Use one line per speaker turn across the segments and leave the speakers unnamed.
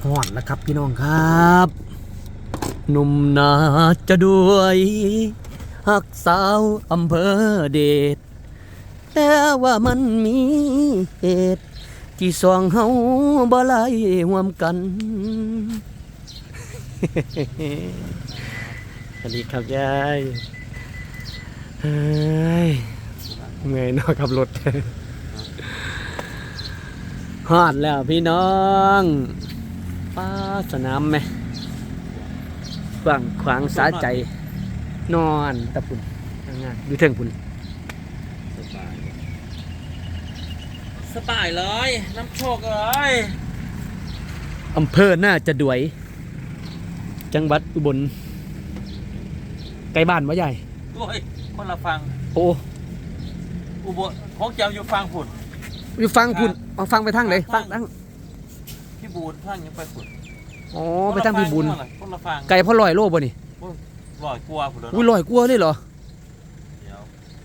ฮอดแล้วครับพี่น้องครับหนุ่มนาจะด้วยหักสาวอำเภอเดชแต่ว่ามันมีเหตุที่สองเฮาบ่ไล่ห่วมกัน สวัสดีครับยายเฮ้ยเมื่อยเนาะขับรถ ฮอดแล้วพี่น้องป้าสนามไหมกว้างขวางสาใจนอนตะปุ่นงานอยู่เทิงปุ่น
สบายเลยน้ำโชคเลย
อำเภอน่าจะด้วยจังหวัดอุบลไกลบ้านวะใหญ่
โอ้ยคนละฟัง
โอ้
อุบลของเจ้าอยู่ฟังผุด
อยู่ฟังปุ่นเอาฟังไปทางไหนฟังทาง
พี่บูนฟังยังไปผุด
อ๋อไปทางพี่บุญ
คนละฟัง
ไกลเพราะลอยโลบ่นี่
ลอยกลัวผุด
อุ้ยลอยกลัวเลยเหรอ
เดี๋ยว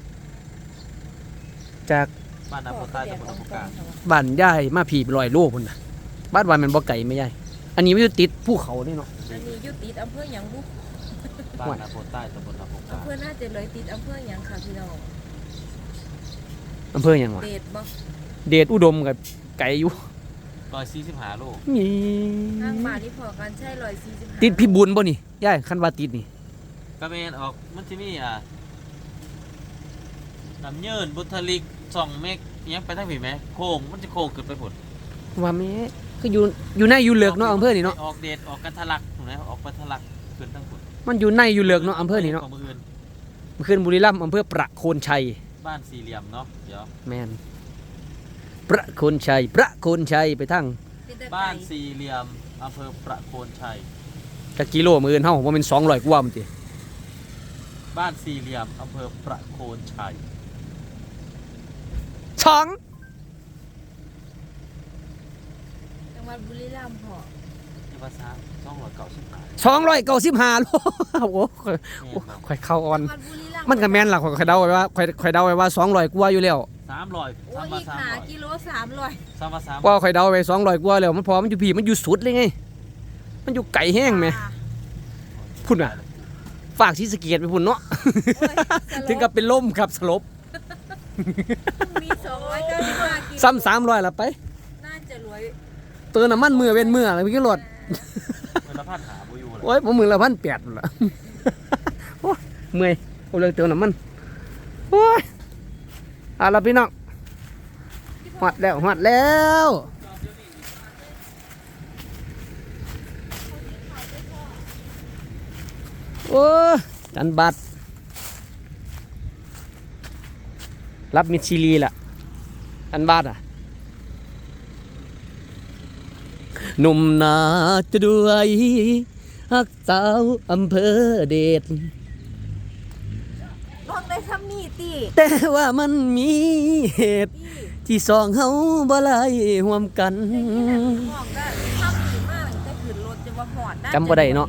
จาก
บ้านน้ำโพใต้ตำบลน้ำโพกลาง
บ้านยายมาผีลอยโลพุ่นน่ะบ้านวานมันบ่ไก่ไม่ใหญ่อันนี้ไม่อยู่ติดภูเขานี่เนาะ
อันนี้อยู่ติดอำเภอหยังบุ
บ้านน้ำโพใต้ตำบลน้ำโพกลาง
อำเภอน่าจะเลยติดอำเภอหยังค่ะพี่น้อง
อำเภอหยังวะ
เดชบ่
เดชอุดมกับไก่อยู่
145 โล
นี่
ทางบ้านนี่พอกันใช่145
ติดพี่บุญบ่นี่ยายคันว่าติดนี่
กระเมนออกมันจะมีน้ำเยินบุทลิก2 เมกยังไปทางผีไหมโค้งมันจะโค้งขึ้นไปผุด
ว่าแม่คืออยู่ในอยู่เหลือกเนาะอำเภอนี่เนาะ
ออกเดชออกกันทะลักถูกไหมออกกันทะลักขึ้นทั้งผุด
มันอยู่ในอยู่เหลือกเนาะอำเภอนี่เนาะ
ของมืออื่น
มันขึ้นบุรีรัมย์อำเภอประโคนชัย
บ้านสี่เหลี่ยมเนาะเดี๋ยว
แม่นประโคนชัยไปทาง
บ้านสี่เหลี่ยมอำเภอประโคนชัย
จักกิโลมื้ออื่นเฮาบ่แม่น200กว่ามันติ
บ้านสี่เหลี่ยมอำเภอประโคนชัย
ช่อง
จังหวัดบุรีรัมย์พอ
ที่ภาษา295
295โล โอ้โหข่อยเข้าอ่อน
จังหวัดบุรีรัมย์
มันก็แม่นล่ะข่อยเดาไว้ว่าข่อยเดาไว้ว่า200กว่าอยู่แล้ว
300
โอ้ย
3มา
อีกหากิโล300
3มา3
ว่าข่อยเดาไว้200กว่าแล้วมันพอมันอยู่พี่มันอยู่สุดเลยไงมันอยู่ไกลแห้งแหมพุ่นน่ะฝากศรีสะเกษไปพุ่นเนาะ ถึงกับเป็นลมครับสลบ
มี295กิโล
ซ้ำ300ละไป
น่าจะรวย
เตือนน้ำมันมือเว้นมืออะไรพี่กิโลด
เวลาพาดหาบ่อยู่เลย
โอ้ยผมมือละ1,800พุ่นล่ะ โอ้ยเมื่อยผมเลยเตือนน้ำมันโอ้ยเอาล่ะพี่น้องหอดแล้วโอ้ยจันบัตรรับมิดชิลีล่ะจันบัตรหนุ่มนาจะด้วยฮักสาวอำเภอเดช
ลองได้ทำนี่ติ
แต่ว่ามันมีเหตุที่สองเฮาบ่ไล่ห่วมกัน
ห้องก็ทำดีมากแต่ขึ้นรถจะว่าหอดน่า
จำบ่ได้เนาะ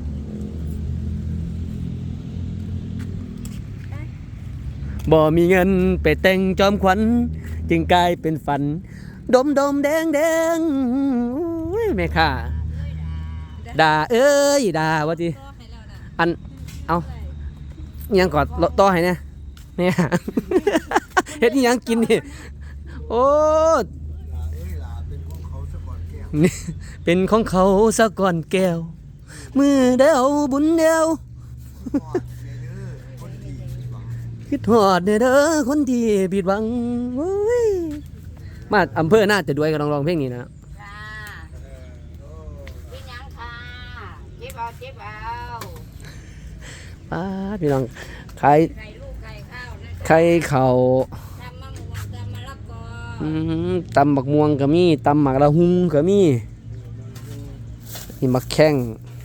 บ่มีเงินไปแต่งจอมขวัญจึงกลายเป็นฝัน ดมแดงอุ้ยแม่ค่ะด่าเอ้ยด่าว่าจิอันเอาอิหยังกอดต่อให้เนี่ยเนี่ย เฮ็ดอิหยังกินนี่โอ้นี่เป็นของเขาซะก่อนแก้วมือเดียวบุญเดียวคิดฮอดเด้อคนที่ผิดหวังโอ้ยมาอำเภอน่าจะด้วยกับร้องเพลงนี้นะ
จ้าเป็นหยังค่ะเจ็บเอา
ป้าพี่น้องขาย
ไก่ลูกไก่ข้าวนะ
ไข่เข่า
ทำมะม่วงทำมะละกอ
ตำบักม่วงก็มีตำหมักละหุงก็มีนี่มักแข้ง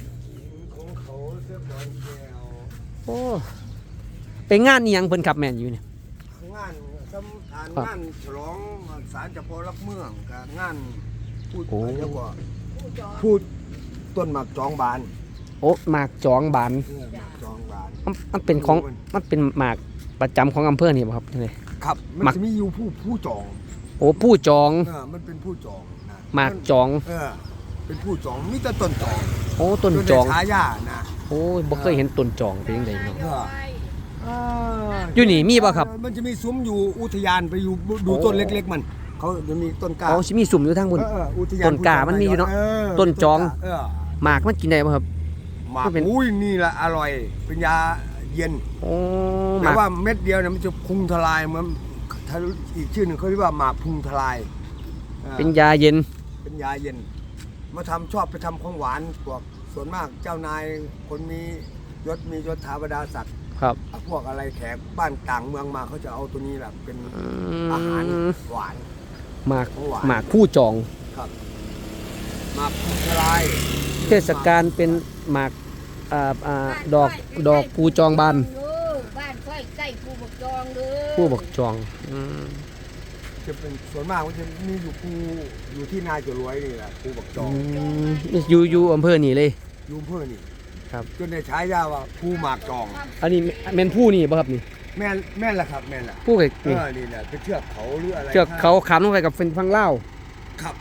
โอ้ไปงานนี่ยังเพิ่นขับแม่นอยู่เนี่ย
งานงานฉลองศาลเจ้าพ่อรักเมืองกับงานพูดอะไรแล้วก็พูดต้นหมากจองบาน
โอ้หมากจองบาน
หมากจองบาน
มันเป็นของมันเป็นหมากประจำของอำเภอนี่บ่ครับนี่
ครับมัน
หมัก
จะมีอยู่ผู้จอง
โอ้ผู้จอง
มันเป็นผู้จองนะ
หมากจอง
เป็นเป็นผู้จองมีแต่ต้นจอง
โอ้ต้นจอง
ได้ฉายานะ
โอ้บ่เคยเห็นต้นจองเป็นจังไดเนาะ
เออ
อยู่นี่มีบ่ครับ
มันจะมีซุ้มอยู่อุทยานไปอยู่ดูต้นเล็กๆมันเขาจะมีต้นกล้า
อ๋อสิมีสุ่มอยู่ทางบน
อุทยาน
ต้นกล้ามันมีอยู่เนาะ ต้นจอง หมากมันกินได้บ่ครับ
หมาก
ก็เป็น
อุ้ยนี่แหละอร่อยเป็นยาเย็น
โอ้ห
แต่
มาก
ว่าเม็ดเดียวเนี่ยมันจะพุงทลายเหมือนถ้าอีกชื่อหนึ่งเขาเรียกว่าหมากพุงทลาย
เป็นยาเย็น
เป็นยาเย็น มาทำชอบไปทำของหวานพวกส่วนมากเจ้านายคนมียศถาบรรดาศักดิ์
ครับ
พวกอะไรแขกบ้านต่างเมืองมาเขาจะเอาตัวนี้แหละเป็น
อื
อาหาร
ม
หวาน
หมาก
ของหวาน
หมากผู้จอง
ครับหมากพุงทลาย
เทศกาลเป็นหมากดอกผู้จองบาน
บ้านค่อยใกล้ผู้ปกครองเด้อ
ผู้บอกจองอืม
จะเป็นส่วนมากมันจะมีอยู่ที่นาจะรวยนี่แหละภูบักจอง
อยู่อำเภอนี่เลย
ยูมเพื่อนี่
ครับ
จนได้ฉายาว่าภูหมากจอง
อันนี้แม่นผู้นี่บ่ครับนี่
แม่นละครับแม่นละ
ผู้ไก่นี่
นี่แหละเป็นเชือกเขาหรืออะไร
เชือกเขาขามลงไปกับเป็นฟังเล่าว
ครับ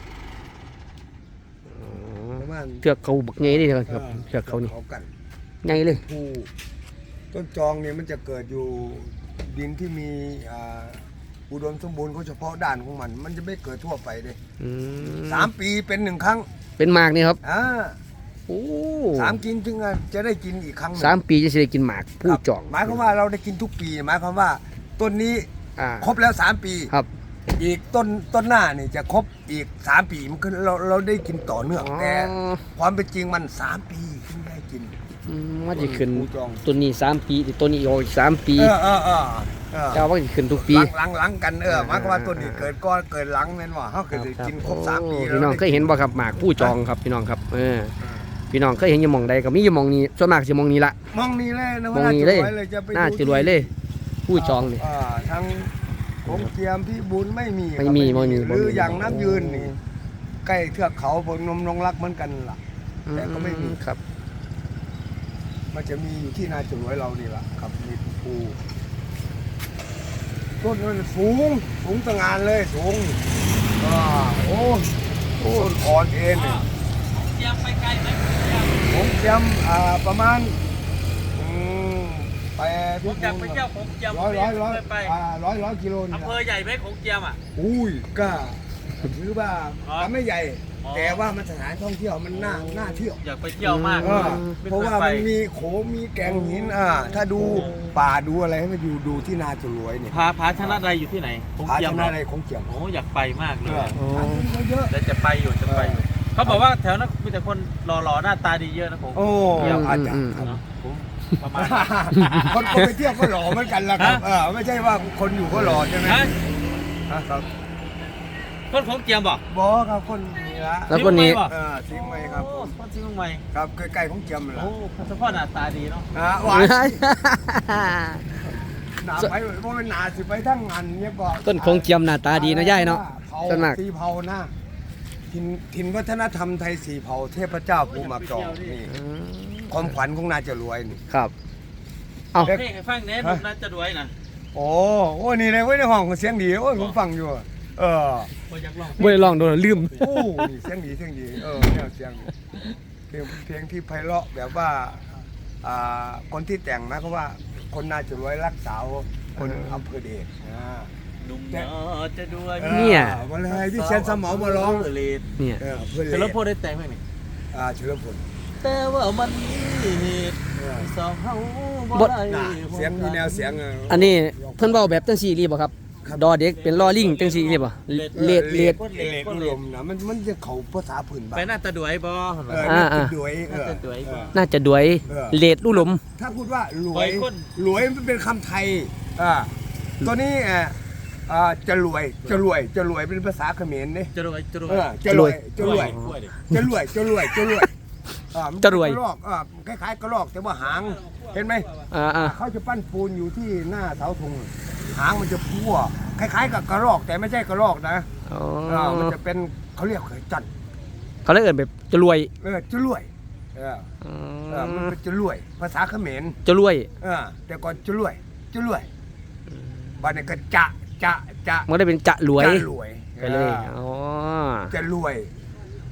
ประมาณ
เชือกเขาบักใหญ่นี่ครับเชือกเขานี่
กัน
ใหญ่เลย
ภูต้นจองเนี่ยมันจะเกิดอยู่ดินที่มีอุดมสมบูรณ์เขาเฉพาะด้านของมัน มันจะไม่เกิดทั่วไปเลย
อืม
3 ปีเป็น1 ครั้ง
เป็นหมากนี่ครับ โอ้
3 กินถึงจะได้กินอีกครั้งหนึ่ง
3 ปีจะสิได้กินหมากผู้จอง
หมายความว่าเราได้กินทุกปีหมายความว่าต้นนี้
อ่า
ครบแล้ว3 ปี
ครับ
อีกต้นหน้านี่จะครบอีก3 ปีมันคือเราได้กินต่อเนื่องแต่ความเป็นจริงมัน3 ปีถึงได้กิน
มันจะขึ้น
ผู้จอง
ต้นนี้3 ปีต้นนี้อีก3 ปี เจ้าว่าจะขึ้นทุกปี
หลังกันหมายความว่าต้นนี้เกิดก่อนเกิดหลังแม่นว่าเขาเกิดกินครบ3 ปี
โอ้พี่น้องเคยเห็นบ่ครับหมากผู้จองครับพี่น้องครับพี่น้องเคยเห็นอยู่หม่องใดก็มีอยู่หม่องนี้ส่วนมากสิหม่องนี้ละ
มองนี่เลยนะ
มองนี่เลย
จะไป
น่าจะรวยเลย ผู้จองนี่
ทางของเทียมพี่บุญไม่มี
ไม่มี
ครับ
ไม่มี
หรืออย่างน้ำยืนนี่ใกล้เทือกเขาพนมนงรักเหมือนกันล่ะ แต่ก็ไม่มี
ครับ
มันจะมีอยู่ที่นาจุ๋ยเรานี่แหละครับมีภูต้นมันสูงตะงานเลยสูงโอ้ต้นอ่อนเอ็นเนี่ย
เตรียมไปไกลไหม
ผมเตรียมประมาณไป
ผมอยากไปเที่ยวผมเตรียม
ร้อย
ไป
กิโลนี่
อำเภอใหญ่ไหมของเตรียมอ่ะ
อุ้ยก็ถือว่า
อ๋อ
ไม่ใหญ่
อ๋อ
แต่ว่ามันสถานท่องเที่ยวมันน่าเที่ยว
อยากไปเที่ยวมาก
เพราะว่ามันมีโขงมีแกงหินถ้าดูป่าดูอะไรให้มันดูที่นาจุรวยเนี่ย
พาชนะใดอยู่ที่ไหนของ
ผา
เตรีย
ช
ม
นะอะไรของเกี่ยม
โอ้อยากไปมากเลย
เขาเยอะ
แล้วจะไปอยู่เขาบอกว่าแถวนั้นมีแต่คนหล่อๆหน้าตาดีเยอะนะผม
โอ้อาจจะ
เนาะผมประมาณ
คนไปเที่ยวก็หล่อเหมือนกันละครับไม่ใช่ว่าคนอยู่ก็หล่อใช่ไหม
ฮะ
ครับ
คนของเตรียมบอก
บอครับคนนี้ละ
แล้วคนนี้
ทิ้งไว้ครับ
โอ้คนทิ้งใหม่
ครับใกล้ๆของเจียมเลย
โอ้เฉพาะหน้าตาดีเนาะ
หวานหนาไปเพราะมันหนาสิไปทั้งงานเนี่ยก็
ต้นคงเจียมหน้าตาดีนะย่ายเนาะ ส่วนมาก
สีเผานะถิ่นวัฒนธรรมไทยสีเผาเทพเจ้าภูมิจองนี่ความขวัญของนาจะรวยนี่
ครับ เอา
เพลงให้ฟังเน้นน่าจะรวยนะ
โอ้นี่เลยเว้ยในห้องเสียงดีโอ้ยผมฟังอยู่
บ่อยากลอง
บ่ได้ลองโดนลืม
โอ้นี่เสียงดีเนี่ยเสียงเพลงที่ไพเราะแบบว่าคนที่แต่งนะเขาว่าคนนาจะรวยรักสาวคนอำเภอเดช
นุ่มเนาะจะด้วย
เนี่ย
มาเลยพี่เชนสมอมาร้อง
เลด
เนี่ย
เพื่อน
แต่
เล
แล้ว
ย
พอได้แต่งไหมนี่
เฉลิมพล
แต่ว่ามันมีเหตุสองเฮาบ่ได้
เสียงมีแนวเสียง
อันนี้เพิ่นเว้าแบบจังซี่รีบ่ครับ ดอเด็กเป็นลอลิงจังซี่รีบ่เลด
เลดอุดมนะมันจะเขาภาษาพื้นบ้าน
ไปหน้าตาด้วยบ่
น่าจะด้วย
น่าจะด้วย
น่าจะด้วยเลดลู่หลม
ถ้าพูดว่ารว
ไป
ย
คน
รวยมันเป็นคำไทยตัวนี้จะรวยเป็นภาษาเขมรเนี่ย
จะรวย
จะรวยจะรวยจะรวยจะรวยจะรวยจะรวยกระรอกคล้ายๆกระรอกแต่ว่าหางเห็นไหม เขาจะปั้นปูนอยู่ที่หน้าเสาธงหางมันจะพัวคล้ายๆกับกระรอกแต่ไม่ใช่กระรอกนะมันจะเป็นเขาเรียกเขยจัน
เขาเลยเอิ้นแบบจะรวย
จะรวยมันเป็นจะรวยภาษาเขมร
จะรวย
แต่ก่อนจะรวยบ้านนี้ก็จะ
มันได้เป็นจะรวย
จะรวย
ไปเลยอ๋อ
จะรวย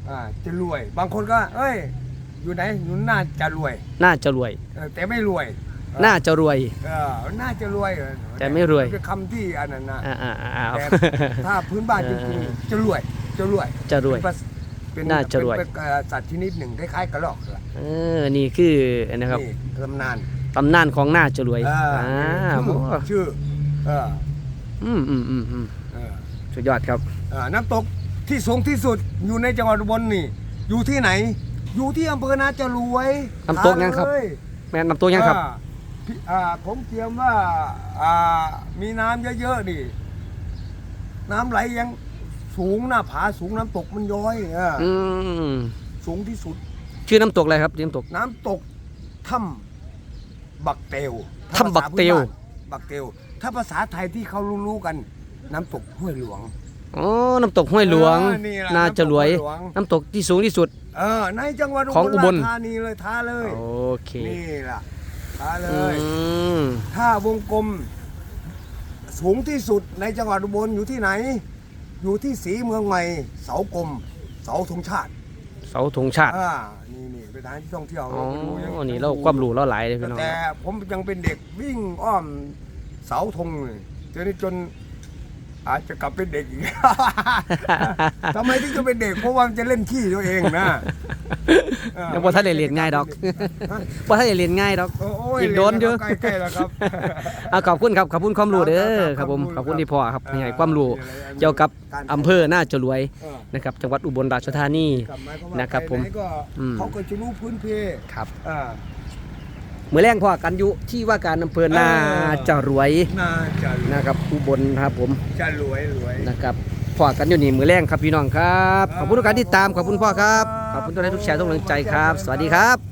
จะรวย บางคนก็เอ้ยอยู่ไหนอยู่น่าจะรวย
น่าจะรวย
แต่ไม่รวย
น่าจะรวย
น่าจะรวย
แต่ไม่รวย
เป็นคำที่อันนั้นนะ
ครับ
แต่ถ้าพื้นบ้านจริงๆจะรวยจะรวย
จะรวย
เป็น
น่าจะรวย
เป็นสัตว์ชนิดหนึ่งคล้ายๆกระรอกล่ะ
นี่คือนะครับ
นี่ตำนาน
ตำนานของน่าจะรวย
ชื่อ
อืมสุดยอดครับ
น้ำตกที่สูงที่สุดอยู่ในจังหวัดอุบลนี่อยู่ที่ไหน อยู่ที่อำเภอนาจะรวย
น้ำตกยังครับ แม่น้ำตัวยังครับ
ผมเตรียมว่ามีน้ำเยอะๆนี่น้ำไหลยังสูงหน้าผาสูงน้ำตกมันย้อยสูงที่สุด
ชื่อน้ำตกอะไรครับน้ำตก
น้ำตกถ้ำบักเตว
ถ้ำบักเตว
บักเตวถ้าภาษาไทยที่เขารู้กันน้ำตกห้วยหลวง
อ๋อน้ำตกห้วยหลวง
นี่แหละ
น่าจะรวย
น้ำตกห้วยหลวง
น้ำตกที่สูงที่สุด
ในจังหวัด
ของอุบล
ราชธานีเลยท้าเลย
โอเค
นี่ล่ะท้าเล
อื
ย
ม
ถ้าวงกลมสูงที่สุดในจังหวัดอุบลอยู่ที่ไหน อยู่ที่ศรีเมืองใหม่เสากลมเสาธงชาติ
เสาธงชาติ
นี่เป็นสถานที่ท่องเที่ยว
อ๋อ
ไปดูยัง
นี่เราความรู้เราหลายเลยพี่น้อง
แต่ผมยังเป็นเด็กวิ่งอ้อมเสาธงเลยจนอาจจะกลับเป็นเด็กอีก ทำไมถึงจะเป็นเด็กเพราะว่ามันจะเล่นขี้ตัวเองนะ
ยังพอท่านเรียนง่ายดอกพอท่านเรียนง่ายดอก อีกโดนอยู่
ใกล้ๆแล้วครับ
ขอบคุณครับขอบคุณความรู้เด้อครับผมขอบคุณที่พ่อครับให้ความรู้เกี่ยวกับอำเภอน่าจะรวยนะครับจังหวัดอุบลราชธานี นะครับผม
ไหก็เขาก็จะรู้พื้นเพ
ครับ
อ่า
เมื่อแรงพ่อกันอยู่ที่ว่าการอำเภอน่าจะรวย
น่าจะ
นะครับอุบลครับผม
จะรวย
นะครับพ่อกันอยู่นี่มือแรงครับพี่น้องครับขอบคุณทุกการติดตามขอบคุณพ่อครับขอบคุณทุกท่านทุกแชร์ทุกกำลังใจครับ สวัสดีครับ